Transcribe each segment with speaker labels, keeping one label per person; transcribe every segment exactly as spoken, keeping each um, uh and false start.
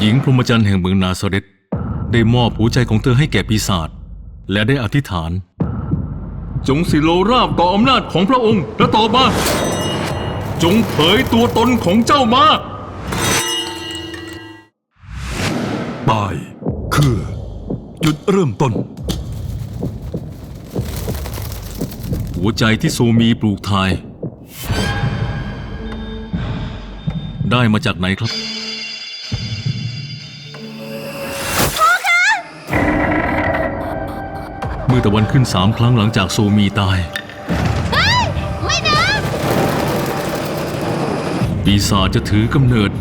Speaker 1: หญิงพรหมจรรย์แห่งเมืองนาซาเรตได้มอบหัวใจของเธอให้แก่ปีศาจและได้อธิษฐานจงสิโลราบต่ออำนาจของพระองค์และต่อมาจงเผยตัวตนของเจ้ามา
Speaker 2: ตายคือจุดเริ่มต้น
Speaker 1: หัวใจที่โซมีปลูกทายได้มาจากไหนครับเมื่อตะวันขึ้นสามครั้งหลังจากโซมีตาย
Speaker 3: ไม่นะ
Speaker 1: ปีศาจจะถือกำเนิด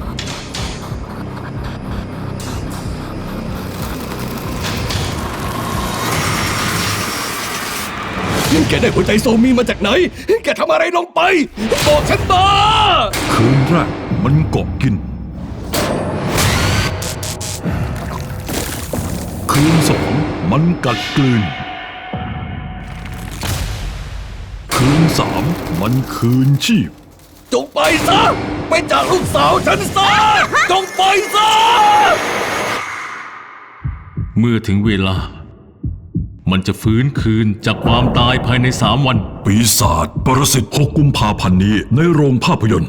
Speaker 2: แกได้หัวใจโซมีมาจากไหนแกทำอะไรลงไปบอกฉันมาคืนแรกมันเกาะกินคืนสองมันกัดกลืนคืนสามมันคืนชีพจงไปซะไปจากลูกสาวฉันซะจงไปซะ
Speaker 1: เมื่อถึงเวลามันจะฟื้นคืนจากความตายภายในสามวัน
Speaker 2: ปีศาจปรสิตหกกุมภาพันธ์นี้ในโรงภาพยนตร์